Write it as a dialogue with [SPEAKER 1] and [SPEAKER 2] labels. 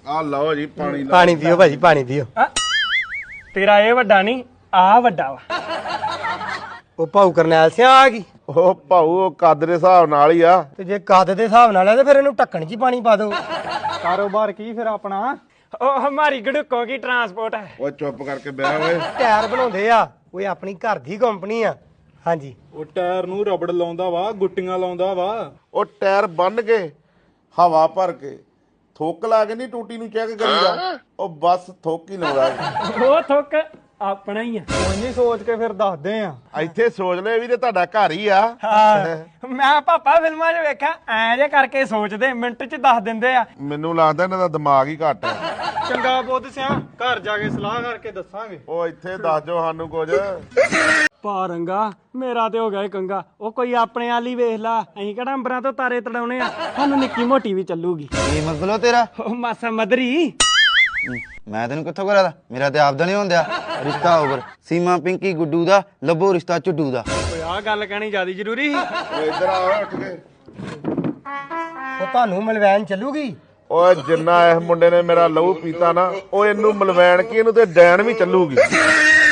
[SPEAKER 1] ਆ ਲਓ ਜੀ ਪਾਣੀ ਲਓ।
[SPEAKER 2] ਪਾਣੀ ਪੀਓ ਭਾਜੀ ਪਾਣੀ ਪੀਓ।
[SPEAKER 3] ਤੇਰਾ ਇਹ ਵੱਡਾ ਨਹੀਂ ਆ ਵੱਡਾ ਵਾ।
[SPEAKER 2] ਉਹ ਭਾਊ ਕਰਨੈਲ ਸਿਆ ਆ ਗਈ।
[SPEAKER 1] ਉਹ ਭਾਊ ਉਹ ਕੱਦ ਦੇ ਹਿਸਾਬ ਨਾਲ ਹੀ ਆ।
[SPEAKER 2] ਤੇ ਜੇ ਕੱਦ ਦੇ ਹਿਸਾਬ ਨਾਲ ਆ ਤੇ ਫਿਰ ਇਹਨੂੰ ਢੱਕਣ 'ਚ ਹੀ ਪਾਣੀ ਪਾ ਦਿਓ।
[SPEAKER 3] ਕਾਰੋਬਾਰ ਕੀ ਫਿਰ ਆਪਣਾ? ਉਹ ਹਮਾਰੀ ਗੜੂਕੋਂ ਕੀ ਟਰਾਂਸਪੋਰਟ ਹੈ।
[SPEAKER 1] ਓਏ ਚੁੱਪ ਕਰਕੇ ਬਹਿ ਓਏ।
[SPEAKER 2] ਟਾਇਰ ਬਣਾਉਂਦੇ ਆ, ਓਏ ਆਪਣੀ ਘਰ ਦੀ ਕੰਪਨੀ ਆ। ਹਾਂਜੀ
[SPEAKER 4] ਉਹ ਟਾਇਰ ਨੂੰ ਰਬੜ ਲਾਉਂਦਾ ਵਾ, ਗੁੱਟੀਆਂ ਲਾਉਂਦਾ ਵਾ।
[SPEAKER 1] ਉਹ ਟਾਇਰ ਬੰਨ ਕੇ ਹਵਾ ਭਰ ਕੇ ਥੁੱਕ ਲਾ ਕੇ ਨਹੀਂ ਟੂਟੀ ਨੂੰ ਚੈੱਕ ਕਰੀਦਾ, ਉਹ ਬਸ ਥੁੱਕ ਹੀ ਲਾਉਂਦਾ।
[SPEAKER 3] ਉਹ ਥੁੱਕ ਆਪਣਾ ਹੀ ਆ।
[SPEAKER 4] ਕੋਈ ਨਹੀਂ ਸੋਚ ਕੇ ਫਿਰ ਦੱਸਦੇ ਆ।
[SPEAKER 1] ਇੱਥੇ ਸੋਚ ਲੈ ਵੀ ਤੇ ਤੁਹਾਡਾ ਘਰ ਹੀ ਆ।
[SPEAKER 3] ਹਾਂ ਮੈਂ ਪਾਪਾ ਫਿਲਮਾਂ 'ਚ ਵੇਖਿਆ ਐਂ ਜੇ ਕਰਕੇ ਸੋਚਦੇ ਮਿੰਟ 'ਚ ਦੱਸ ਦਿੰਦੇ ਆ।
[SPEAKER 1] ਮੈਨੂੰ ਲੱਗਦਾ ਇਹਨਾਂ ਦਾ ਦਿਮਾਗ ਹੀ ਘੱਟ ਹੈ।
[SPEAKER 4] ਚੰਗਾ ਬੁੱਧ ਸਿਆ, ਘਰ ਜਾ ਕੇ ਸਲਾਹ ਕਰਕੇ ਦੱਸਾਂਗੇ।
[SPEAKER 1] ਉਹ ਇੱਥੇ ਦੱਸ ਦਿਓ ਸਾਨੂੰ ਕੁਝ।
[SPEAKER 3] ਪਾ ਰੰਗਾ ਮੇਰਾ ਤੇ ਹੋ ਗਿਆ ਕੰਗਾ। ਉਹ ਕੋਈ ਆਪਣੇ ਵਾਲੀ ਵੇਖ ਲਾ, ਅਸੀਂ ਕਿਹੜਾ ਅੰਬਰਾਂ ਤੋਂ ਤਾਰੇ ਤੜਾਉਣੇ ਆ, ਸਾਨੂੰ ਨਿੱਕੀ ਮੋਟੀ ਵੀ ਚੱਲੂਗੀ।
[SPEAKER 5] ਕੀ ਮਤਲਬ ਤੇਰਾ?
[SPEAKER 3] ਉਹ ਮਾਸਾ ਮਦਰੀ
[SPEAKER 5] ਮੈਂ ਤੈਨੂੰ ਕਿੱਥੋਂ ਕਰਾਦਾ? ਮੇਰਾ ਤੇ ਆਪਦਾ ਨਹੀਂ ਹੁੰਦਿਆ। ਰਿਸ਼ਤਾ ਓਵਰ। ਸੀਮਾ ਪਿੰਕੀ ਗੁੱਡੂ ਦਾ, ਲੱਭੋ ਰਿਸ਼ਤਾ ਝੁੱਡੂ ਦਾ।
[SPEAKER 3] ਓਏ ਆਹ ਗੱਲ ਕਹਿਣੀ ਜ਼ਿਆਦਾ ਜ਼ਰੂਰੀ ਸੀ।
[SPEAKER 1] ਓਏ ਇੱਧਰ ਆ ਓਏ ਉੱਠ ਕੇ।
[SPEAKER 2] ਉਹ ਤੁਹਾਨੂੰ ਮਲਵੈਨ ਚੱਲੂਗੀ।
[SPEAKER 1] ਓਏ ਜਿੰਨਾ ਇਸ ਮੁੰਡੇ ਨੇ ਮੇਰਾ ਲਹੂ ਪੀਤਾ ਨਾ, ਉਹ ਇਹਨੂੰ ਮਲਵੈਣ ਕੀ ਇਹਨੂੰ ਤੇ ਡੈਣ ਵੀ ਚੱਲੂਗੀ।